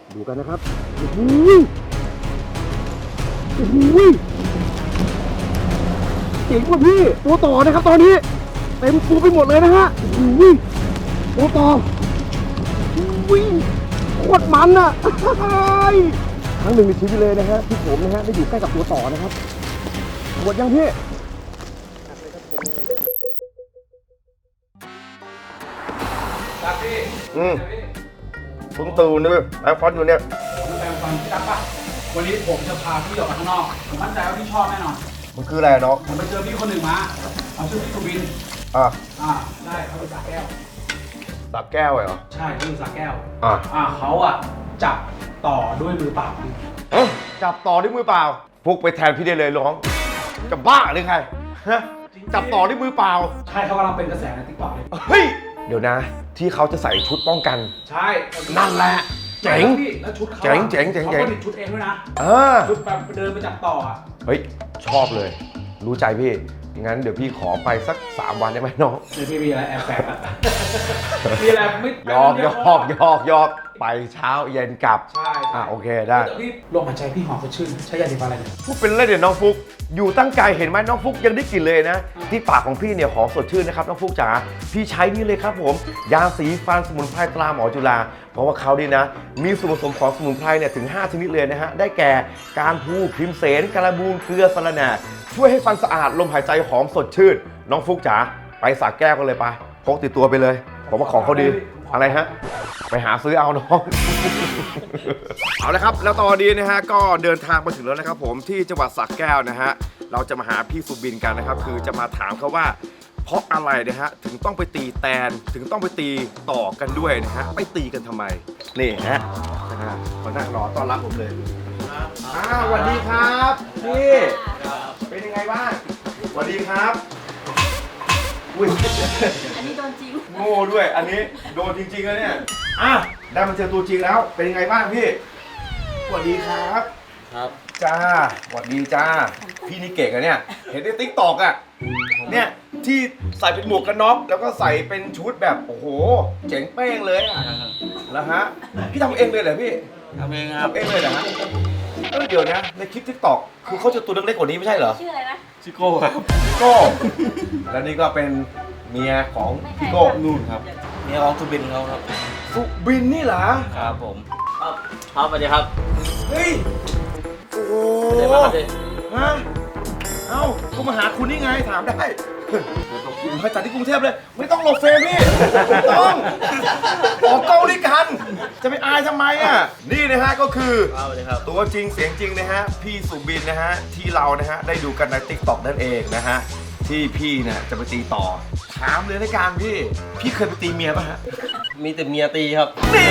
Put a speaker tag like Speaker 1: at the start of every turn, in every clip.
Speaker 1: ดูกันนะครับโอ้โหโอ้โหเจ๋งกว่าพี่ตัวต่อนะครับตอนนี้เต็มฟูไปหมดเลยนะฮะโอ้โหตัวต่อวิ่งโคตรมันอ่ะครั้งหนึ่งในชีวิตเลยนะฮะที่ผมนะฮะได้อยู่ใกล้กับตัวต่อนะครับหมดยังพี่
Speaker 2: ครับพี่
Speaker 3: เพิ่งตื่นเลยแอร์ฟอนอยู่เนี่ย
Speaker 2: ผมแปลงฟันพี่ตั๊กปะวันนี้ผมจะพาพี่ออกมาข้างนอก ผมมั่นใจว่าพี่ชอบแน่นอน
Speaker 3: มันคืออะไรเนาะ
Speaker 2: ผมไปเจอพี่คนหนึ่งมาเขาชื่อพี่สุบิน
Speaker 3: อ่ะ
Speaker 2: ได้เขาเป็นสาแก้ว
Speaker 3: ตับแก้วเหรอ
Speaker 2: ใช่เขาเป็นสาแก้ว เขาจับต่อด้วยมือเปล่า
Speaker 3: จับต่อด้วยมือเปล่าพวกไปแทนพี่ได้เลยร้องจะบ้าหรือไงฮะจับต่อด้วยมือเปล่า
Speaker 2: ใช่เขากำลังเป็นกระแสในติ๊กต็อกเลย
Speaker 3: เฮ้ยเดี๋ยวนะ ที่เขาจะใส่ชุดป้องกัน
Speaker 2: ใช่
Speaker 3: นั่นแหละเจ๋ง
Speaker 2: แล้วชุดเขา
Speaker 3: เจ๋งเจ๋งเจ๋ง
Speaker 2: เขาผลิตชุดเองด้วยนะ ชุดแบบเดินไปจับต่อ
Speaker 3: เฮ้ยชอบเลย รู้ใจพี่งั้นเดี๋ยวพี่ขอไปสัก3 วันได้ไหมน้อง
Speaker 2: เดี๋ยวพี่มีอะไรแอบแฝงอะมีอะไรไม่
Speaker 3: ยอกไปเช้าเย็นกลับ
Speaker 2: ใช่
Speaker 3: โอเคได้
Speaker 2: แต่พี่ลมหายใจพี่หอมสดชื่นใช้ยาสีฟันอะไรเนี่ย
Speaker 3: พูดเป็นเล่นเดี๋ยวน้องฟุกอยู่ตั้งไกลเห็นไหมน้องฟุกยังได้กลิ่นเลยนะที่ปากของพี่เนี่ยหอมสดชื่นนะครับน้องฟุกจ๋าพี่ใช้นี่เลยครับผมยาสีฟันสมุนไพรตราหมอจุฬาเพราะว่าเขาดีนะมีส่วนผสมของสมุนไพรเนี่ยถึง5 ชนิดเลยนะฮะได้แก่การพูครีมเสนการบูนเกลือสะระแหน่ช่วยให้ฟันสะอาดลมหายใจหอมสดชื่นน้องฟุกจ๋าไปสระแก้วกันเลยไปพกติดตัวไปเลยผมว่าของเขาดีอะไรฮะไปหาซื้อเอาน้อง เอาละครับแล้วตอนนี้นะฮะก็เดินทางมาถึงแล้วนะครับผมที่จังหวัดสระแก้วนะฮะเราจะมาหาพี่สุบินกันนะครับคือจะมาถามเขาว่าเพราะอะไรนะฮะถึงต้องไปตีแตนถึงต้องไปตีต่อกันด้วยนะฮะไปตีกันทำไมนี่ฮะมานั่งรอต้อนรับผมเลยสวัสดีครับพี่เป็นยังไงบ้างสวัสดีครับอุ้ย
Speaker 4: อันนี้โดนจริง
Speaker 3: โง่ด้วยอันนี้โดนจริงๆแล้วเนี่ยได้มาเจอตัวจริงแล้วเป็นยังไงบ้างพี่สวัสดีครับ
Speaker 5: ครับ
Speaker 3: จ้าสวัสดีจ้าพี่นี่เก่งอะเนี่ยเห็นในติ๊กตอกอะเนี่ยที่ใส่เป็นหมวกกันน็อกแล้วก็ใส่เป็นชุดแบบโอ้โหเจ๋งเป้งเลยอะแล้วฮะพี่ทำเองเลยเหรอพี่
Speaker 5: ทำเองครับ
Speaker 3: ทำเองเลยเหรอฮะเดี๋ยวนะในคลิปติ๊กตอกคือเขาจะตัวเล็กๆกว่านี้ไม่ใช่เหรอ
Speaker 4: ชื่ออะไรนะ
Speaker 5: ชิโก้ครับ
Speaker 3: โก้แล้วนี่ก็เป็นเมียของพี่โก้
Speaker 5: นู่นครับนี่ของสุบินเขาครับ
Speaker 3: สุบินนี่เหรอ
Speaker 5: ครับผมครับสวัสดีครับ
Speaker 3: เฮ้ยโอ้โห
Speaker 5: เดี๋ยวมาครับพี่
Speaker 3: ฮะเอ้าก็มาหาคุณนี่ไงถามได้ผมไปจัดที่กรุงเทพเลย ไม่ต้องหลบเฟรมพี่ไม่ต้องออกกล้องด้วยกัน จะไปอายทำไมอ่ะ นี่นะฮะก็คือ
Speaker 5: สวัสดีครับ
Speaker 3: ตัวจริงเสียงจริงนะฮะ พี่สุบินนะฮะ ที่เรานะฮะ ได้ดูกันใน TikTok นั่นเองนะฮะ ที่พี่เนี่ยจะไปตีต่อ ถามเลยในการพี่เคยไปตีเมียป่ะฮะ
Speaker 5: มีแต่เมียตีครับ
Speaker 3: นี่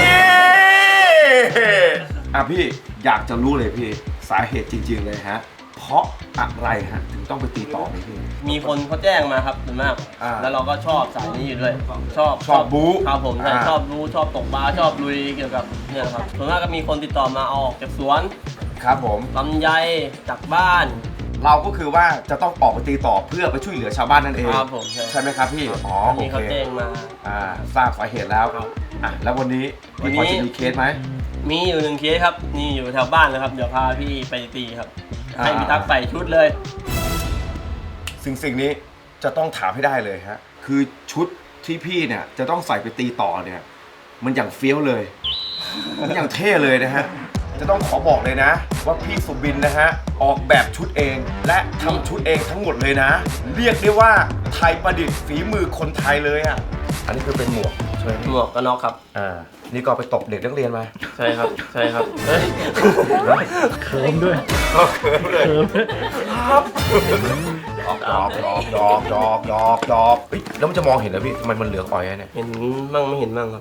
Speaker 3: พี่อยากจะรู้เลยพี่สาเหตุจริงๆเลยฮะ เพราะอะไรฮะถึงต้องไปตีต่อนี่พี่
Speaker 5: มีคนเขาแจ้งมาครับส่วนมาก แล้วเราก็ชอบสายนี้อยู่ด้วย ชอบ
Speaker 3: บู๊
Speaker 5: ครับผมใช่
Speaker 3: อ่า
Speaker 5: ชอบบู๊ชอบตกปลาชอบลุยเกี่ยวกับเนี่ยครับส่วนมากก็มีคนติดต่อมาเอาออกจากสวน
Speaker 3: ครับผม
Speaker 5: ลำไยจากบ้าน
Speaker 3: เราก็คือว่าจะต้องออกไปตีต่อเพื่อไปช่วยเหลือชาวบ้านนั่นเอง
Speaker 5: ครับผมใช่
Speaker 3: ไหมครับพี่อ๋อ
Speaker 5: อัน
Speaker 3: โอ
Speaker 5: นี้
Speaker 3: เค
Speaker 5: เขาแจ้งมา
Speaker 3: ทราบสาเหตุแล้ว
Speaker 5: ครับ
Speaker 3: แล้ววันนี้พี่พอจะมีเคสไหม
Speaker 5: มีอยู่1 เคสครับนี่อยู่แถวบ้านนะครับเดี๋ยวพาพี่ไปตีครับ
Speaker 3: อ่า
Speaker 5: ให้พี่ตั๊กใส่ชุดเลย
Speaker 3: สิ่งนี้จะต้องถามให้ได้เลยฮะคือชุดที่พี่เนี่ยจะต้องใส่ไปตีต่อเนี่ยมันอย่างเฟี้ยวเลยมันอย่างเท่เลยนะฮะจะต้องขอบอกเลยนะ ว่าพี่สุบินนะฮะออกแบบชุดเองและทำชุดเองทั้งหมดเลยนะ เรียกได้ว่าไทยประดิษฐ์ฝีมือคนไทยเลยอ่ะอันนี้คือเป็นหมวกใช่ไหม
Speaker 5: หมวกกันน็อกครับ
Speaker 3: นี่ก็ไปตบเด็กนักเรียนมา
Speaker 5: ใช่ครับใช่ครับเฮ้ย
Speaker 1: เคิร์มด้วย
Speaker 3: ก็เขินเลยครับดอกเฮ้ยแล้วมันจะมองเห็นเหรอพี่ทำไมมันเหลืองอ่อยอะเนี่ย
Speaker 5: เห็นมั่งไม่เห็นมั่งครับ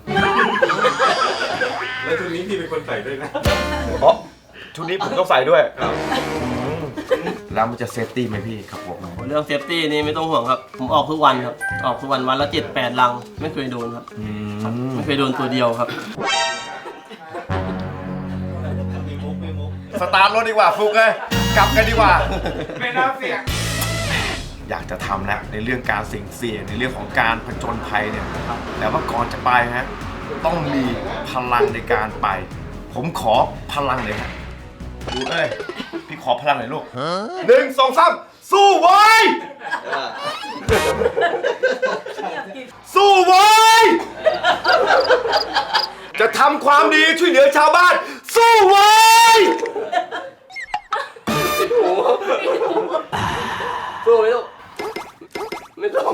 Speaker 6: แล้วชุดนี้พี่เป็นคนใส่ด้วยนะ
Speaker 3: อ๋อชุดนี้ผมต้องใส่ด้วยแล้วมันจะเซฟตี้ไหมพี่ครับผม
Speaker 5: เรื่องเซฟตี้นี่ไม่ต้องห่วงครับ ผมออกทุกวันครับ ออกทุกวันวันละ7-8 ลัง ไม่เคยโดนครับ ไม่เคยโดนตัวเดียวครับ
Speaker 3: สตาร์ทรถดีกว่าฟุกเลยกลับกันดีกว่า
Speaker 6: ไม่น่าเสี่ยง
Speaker 3: อยากจะทำแล้วในเรื่องการเสี่ยงในเรื่องของการผจญภัยเนี่ยแต่ว่าก่อนจะไปฮะต้องมีพลังในการไป ผผมขอพลังเลยฮะดูเอ้ยพี่ขอพลังหน่อยลูก1 2 3สู้ไว้สู้ไว้จะทำความดีช่วยเหลือชาวบ้านสู้ไว้
Speaker 5: สู้ไหมลูกไม่ต้อง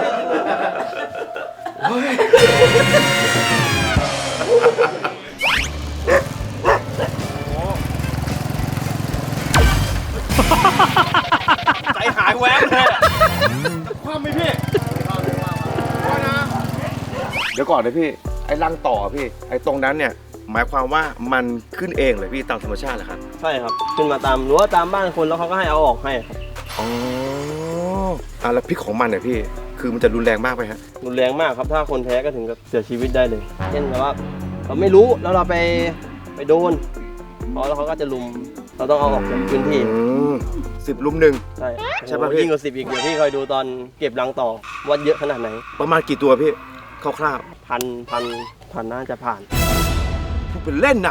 Speaker 3: ใจหายแวบเลยความไม่พี่ว่านะเดี๋ยวก่อนนะพี่ไอ้รังต่อพี่ไอ้ตรงนั้นเนี่ยหมายความว่ามันขึ้นเองเลยพี่ตามธรรมชาติเหรอครับ
Speaker 5: ใช่ครับขึ้นมาตามรั้วตามบ้านคนแล้วเขาก็ให้เอาออกให้ครับ
Speaker 3: อ๋อแล้วพิษของมันเนี่ยพี่คือมันจะรุนแรงมากไหมฮะ
Speaker 5: รุนแรงมากครับถ้าคนแพ้ก็ถึงกับเสียชีวิตได้เลยเช่นแบบว่าเราไม่รู้แล้วเราไปโดนแล้วเขาก็จะลุมเราต้องเอาออกจากพื้นที่
Speaker 3: 10 ลุม 1
Speaker 5: ใช่
Speaker 3: ใช่ป่ะ
Speaker 5: โอ้โห
Speaker 3: พี่
Speaker 5: ยิ่งกว่า10อีกเดี๋ยวพี่คอยดูตอนเก็บรังต่อว่าเยอะขนาดไหน
Speaker 3: ประมาณกี่ตัวพี่คร่าว
Speaker 5: พันน่าจะผ่าน
Speaker 3: ๆพูดเป็นเล่นนะ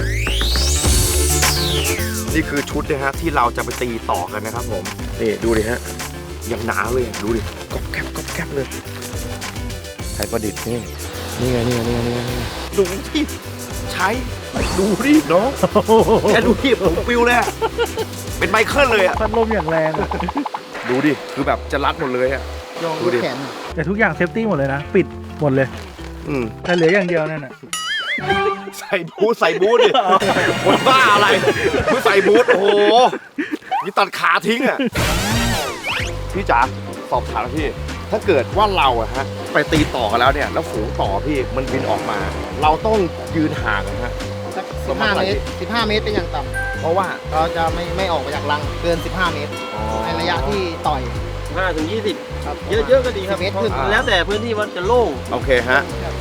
Speaker 3: นี่คือชุดนะฮะที่เราจะไปตีต่อกันนะครับผมนี่ดูดิฮะยังหนาเลยดูดิก๊อบแก๊บเลยไทยประดิษฐ์นี่ไงดูที่ใช้ดูดิน้องแค่ดูที่ผมปิวเลยอะเป็นไมเคิลเลยอะ
Speaker 4: พัดลมอย่างแรงอะ
Speaker 3: ดูดิคือแบบจะรัดหมดเลยอะดูดิ
Speaker 4: แต่ทุกอย่างเซฟตี้หมดเลยนะ ปิดหมดเลย แต่เหลืออย่างเดียวนั่นน่ะ
Speaker 3: ใส่บูทดิคนบ้าอะไรไม่ใส่บูทโอ้โหนี่ตัดขาทิ้งอะพี่จ๋าสอบถามพี่ถ้าเกิดว่าเราอะฮะไปตีต่อกันแล้วเนี่ยแล้วฝูงต่อพี่มันบินออกมา เราต้องยืนห่างนะฮะ
Speaker 7: สัก15 เมตร 15 เมตรเป็นอย่างต่
Speaker 3: เพราะว่า
Speaker 7: ำเราจะไม่ออกมาจากรังเกิน 15 เมตร ในระยะที่ต่อย
Speaker 5: 5 ถึง 20
Speaker 7: ครับ
Speaker 5: เยอะๆก็ดีครับ
Speaker 7: 10 เมตรขึ้น
Speaker 5: แล้วแต่พื้นที่ว่าจะโล่ง
Speaker 3: โอเคฮะ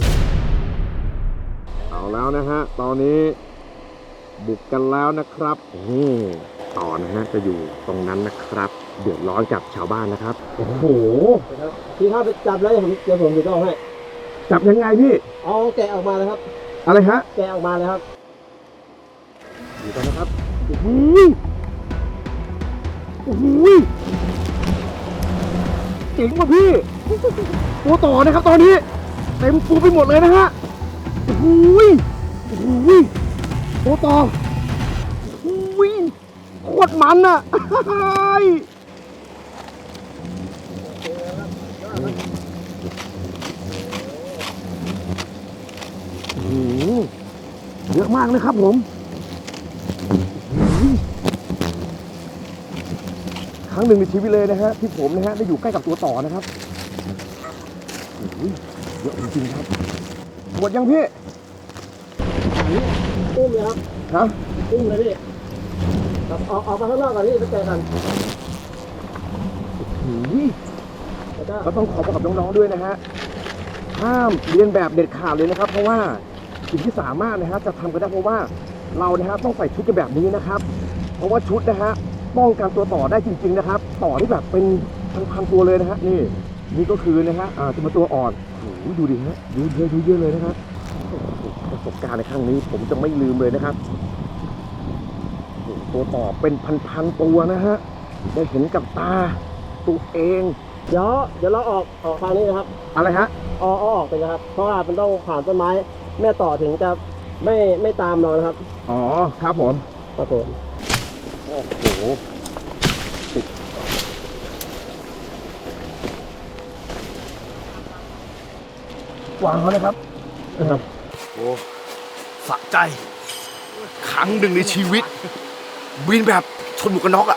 Speaker 3: เอาแล้วนะฮะตอนนี้บุกกันแล้วนะครับนี่ต่อนะฮะจะอยู่ตรงนั้นนะครับเดือดร้อนกับชาวบ้านนะครับโอ้โห
Speaker 5: ที่ถ้าไปจับแล้วเดี๋ยวผมจะต้องให้
Speaker 3: จับยังไงพี่
Speaker 5: เอาแกะออกมาเลยครับ
Speaker 3: อะไรฮะ
Speaker 5: แกะออกมาเลยครับ
Speaker 3: อยู่ตรงนะครับ
Speaker 1: โอ้โหโอ้โหเจ๋งว่ะพี่ ตัวต่อนะครับตอนนี้เต็มฟูไปหมดเลยนะฮะโอ้โหโอ้โหตัวต่อโอ้โหโคตรมันอ่ะ โอ้โหเยอะมากนะครับผม ครั้งหนึ่งในชีวิตเลยนะฮะที่ผมนะฮะได้อยู่ใกล้กับตัวต่อนะครับโอ้โหเยอะจริงๆครับหมดยังพี่
Speaker 5: อุ้มเลยครับ
Speaker 1: ฮะ
Speaker 5: อุ้มเลยพี่ออกมาข้างนอกก่อนพี่ไปแกะกัน
Speaker 1: โอ้โหก็ต้องขอบอกกับน้องๆด้วยนะฮะห้ามเรียนแบบเด็ดขาดเลยนะครับ เพราะว่าสิ่งที่สามารถนะฮะจะทำกันได้เพราะว่าเรานะฮะต้องใส่ชุดกันแบบนี้นะครับ เพราะว่าชุดนะฮะป้องกันตัวต่อได้จริงๆนะครับ ต่อที่แบบเป็นพันๆตัวเลยนะฮะนี่ก็คือนะฮะจะมาตัวอ่อนโอ้โหดูดิฮะดูเยอะเลยนะครับโอ้โหประสบการณ์ในครั้งนี้ผมจะไม่ลืมเลยนะครับโอ้โหตัวต่อเป็นพันๆตัวนะฮะได้เห็นกับตาตัวเอง
Speaker 5: เดี๋ยวเราออกทางนี้นะครับ
Speaker 1: อะไรฮะ
Speaker 5: เอาออกไปนะครับ เพราะว่ามันต้องผ่านต้นไม้แม่ต่อถึงจะไม่ตามเรานะครับ
Speaker 1: อ๋อครับผม
Speaker 5: ครับผม
Speaker 1: โอ้โหวางเขาเลยครับนะครับ
Speaker 3: โอ้สะใจครั้งหนึ่งในชีวิต บินแบบชนหมวกกันน็อกอะ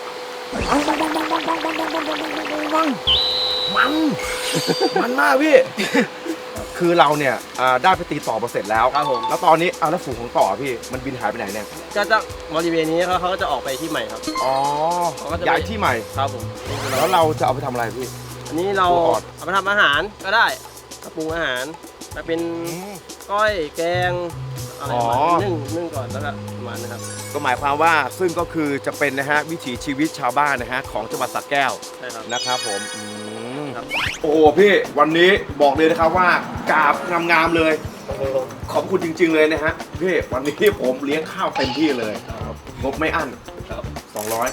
Speaker 3: มันมากพี่ คือเราเนี่ยได้ไปตีต่อมาเสร็จแล้ว
Speaker 5: ครับผม
Speaker 3: แล้วตอนนี้แล้วฝูงของต่อพี่มันบินหายไปไหนเนี่ย
Speaker 5: ก็จะบริเวณนี้เขาก็จะออกไปที่ใหม่ครับ
Speaker 3: อ๋อ
Speaker 5: เขาก็จะไป
Speaker 3: ย้ายที่ใหม่
Speaker 5: ครับผม
Speaker 3: แล้วเราจะเอาไปทำอะไรพี่
Speaker 5: อันนี้เรา
Speaker 3: ตัวอ่อน
Speaker 5: เอาไปทำอาหารก็ได้ปรุงอาหารมาเป็นก้อยแกงอะไรประมาณนี้นึ่งก่อนแล้วก็ประมาณนะครับ
Speaker 3: ก็หมายความว่าซึ่งก็คือจะเป็นนะฮะวิถีชีวิตชาวบ้านนะฮะของจังหวัดสระแก้ว
Speaker 5: ใช่ครับ
Speaker 3: นะครับผม
Speaker 5: ครับ
Speaker 3: โอ้โหพี่วันนี้บอกเลยนะครับว่ากราบงามๆเลยขอบคุณจริง ๆ เลยนะฮะพี่วันนี้ผมเลี้ยงข้าวเต็มที่เลยงบไม่อั้น200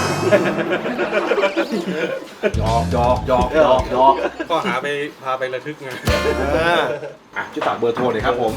Speaker 3: หยอก
Speaker 6: ก็พาไประทึกไง
Speaker 3: ช่วยฝากเบอร์โทรหน่อยครับผม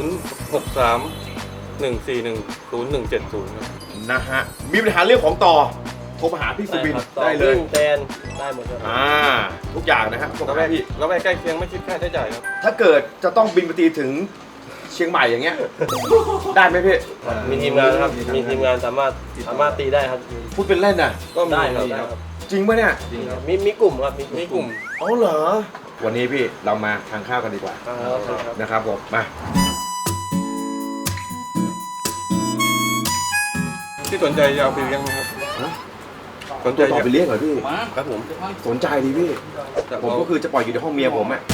Speaker 6: 063-141-0170ครับ
Speaker 3: นะฮะมีปัญหาเรื่องของต่อโทรมาหาพี่สุบินได้เลย
Speaker 5: แตนได้หมดครับ
Speaker 3: ทุกอย่างนะฮะส่ง
Speaker 6: แล้ว
Speaker 3: มาให้พี่
Speaker 6: แล้วไปใกล้เคียงไม่คิดค่าใช้จ่ายครับ
Speaker 3: ถ้าเกิดจะต้องบินไปตีถึงเชียงใหม่อย่างเงี้ยได้ไหมพี่
Speaker 5: มีทีมงานครับมีทีมงานสามารถตีได้ครับ
Speaker 3: พูดเป็นเล่นน่ะ
Speaker 6: ก็มี
Speaker 5: ได้ครับ
Speaker 6: มี
Speaker 5: ได้
Speaker 6: ครับ
Speaker 5: ครับ
Speaker 3: จริงปะเนี่ย
Speaker 5: มีกลุ่มครับ
Speaker 6: มีกลุ่ม
Speaker 3: อ๋อเหรอวันนี้พี่เรามาทานข้าวกันดีกว่า
Speaker 5: ครับ
Speaker 3: นะครับผมมา
Speaker 6: ที่สนใจจะเอาไปเลี้ยงไหมครับสนใจ
Speaker 3: จะต่อไปเลี้ยงเหรอพี่
Speaker 2: มา
Speaker 3: ครับผมสนใจดีพี่ผมก็คือจะปล่อยอยู่ในห้องเมียผมอ่ะ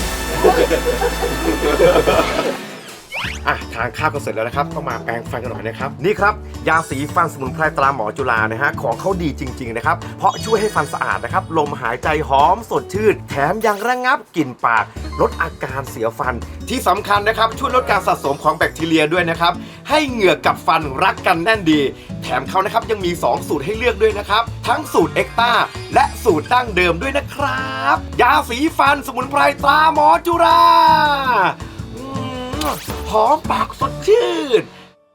Speaker 3: ทานข้าวกันเสร็จแล้วนะครับต้องมาแปรงฟันกันหน่อยนะครับนี่ครับยาสีฟันสมุนไพรตราหมอจุฬานะฮะของเขาดีจริงๆนะครับเพราะช่วยให้ฟันสะอาดนะครับลมหายใจหอมสดชื่นแถมยังระงับกลิ่นปากลดอาการเสียฟันที่สำคัญนะครับช่วยลดการสะสมของแบคทีเรียด้วยนะครับให้เหงือกกับฟันรักกันแน่นดีแถมเขานะครับยังมี2สูตรให้เลือกด้วยนะครับทั้งสูตรเอ็กต้าและสูตรดั้งเดิมด้วยนะครับยาสีฟันสมุนไพรตราหมอจุฬาหอมปากสดชื่น